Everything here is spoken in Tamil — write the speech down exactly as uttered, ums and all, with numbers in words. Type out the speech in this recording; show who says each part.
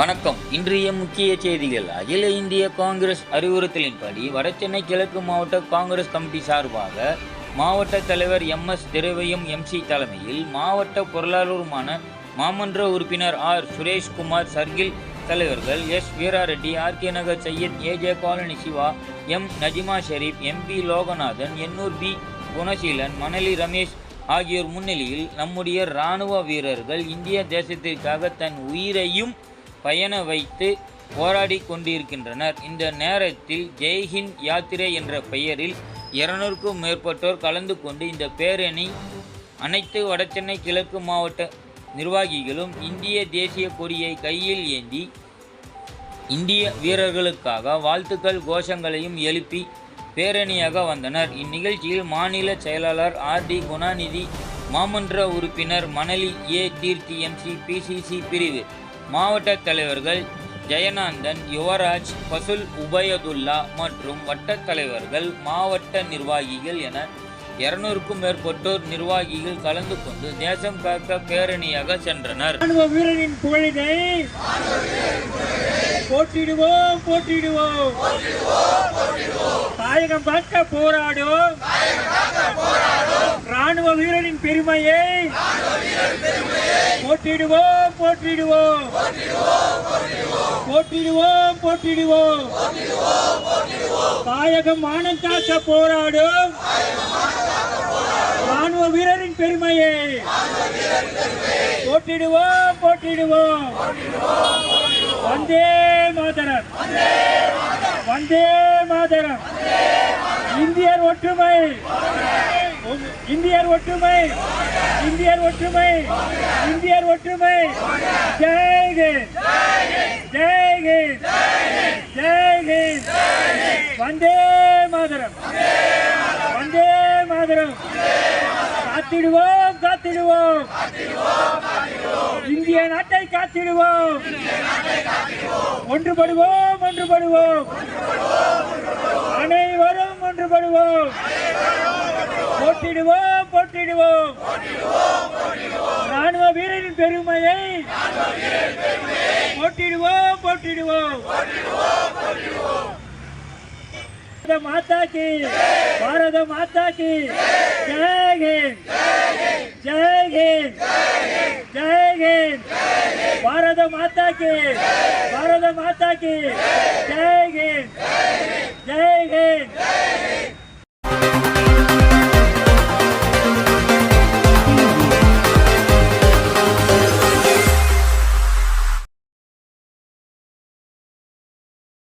Speaker 1: வணக்கம். இன்றைய முக்கிய செய்திகள். அகில இந்திய காங்கிரஸ் அறிவுறுத்தலின்படி வடசென்னை கிழக்கு மாவட்ட காங்கிரஸ் கமிட்டி சார்பாக மாவட்ட தலைவர் எம் எஸ் திரவியம் எம்சி தலைமையில் மாவட்ட பொருளாளருமான மாமன்ற உறுப்பினர் ஆர் சுரேஷ்குமார், சர்கில் தலைவர்கள் S Veerareddy, R K Nagar Syed, A J colony Siva, M Najima Sharif, M P Loganathan, Ennore P Gunaseelan, Manali Ramesh ஆகியோர் முன்னிலையில் நம்முடைய இராணுவ வீரர்கள் இந்திய தேசத்திற்காக தன் உயிரையும் பயண வைத்து போராடி கொண்டிருக்கின்றனர். இந்த நேரத்தில் ஜெய்ஹிந்த் யாத்திரை என்ற பெயரில் இருநூறுக்கும் மேற்பட்டோர் கலந்து கொண்டு இந்த பேரணி அனைத்து வடசென்னை கிழக்கு மாவட்ட நிர்வாகிகளும் இந்திய தேசிய கொடியை கையில் ஏந்தி இந்திய வீரர்களுக்காக வாழ்த்துக்கள் கோஷங்களையும் எழுப்பி பேரணியாக வந்தனர். இந்நிகழ்ச்சியில் மாநில செயலாளர் ஆர் டி குணாநிதி, மாமன்ற உறுப்பினர் Manali A Theerthi MC PCC பிரிவு மாவட்ட தலைவர்கள் ஜெயநாதன், யுவராஜ், பசுல் உபயதுல்லா மற்றும் வட்ட தலைவர்கள், மாவட்ட நிர்வாகிகள் என இருநூறுக்கும் மேற்பட்டோர் நிர்வாகிகள் கலந்து கொண்டு தேசம் காக்க பேரணியாக சென்றனர்.
Speaker 2: ராணுவ வீரரின் புகழினை போற்றிடுவோம் போற்றிடுவோம் தாயகம் காக்க போராடும் ராணுவ வீரரின் பெருமையை போற்றிடுவோம் போற்றிடுவோம் போற்றிடுவோம் போற்றிடுவோம் தாயகம் மானம் காக்க போராடும் ராணுவ வீரரின் பெருமையை போற்றிடுவோம் போற்றிடுவோம் வந்தே மாதரம் வந்தே மாதரம் இந்தியர் ஒற்றுமை இந்தியர் ஒற்றுமை இந்தியர் ஒற்றுமை இந்தியர் ஒற்றுமை ஜெய் ஹிந்த் ஜெய் ஹிந்த் ஜெய் ஹிந்த் வந்தே மாதரம் வந்தே மாதரம் காத்திடுவோம் காத்திடுவோம் இந்திய நாட்டை காத்திடுவோம் ஒன்றுபடுவோம் ஒன்றுபடுவோம் அனைவரும் ஒன்றுபடுவோம் போட்டிடுவோம் போட்டிடுவோம் ராணுவ வீரரின் பெருமையை போட்டிடுவோம் போட்டிடுவோம் மாதா கி பாரத மாதா கி ஜெய் ஹிந்த் ஜெய் ஹிந்த் ஜெய் ஹிந்த் பாரத மாதா கி பாரத மாதா கி ஜெய் ஹிந்த் ஜெய் ஹிந்த்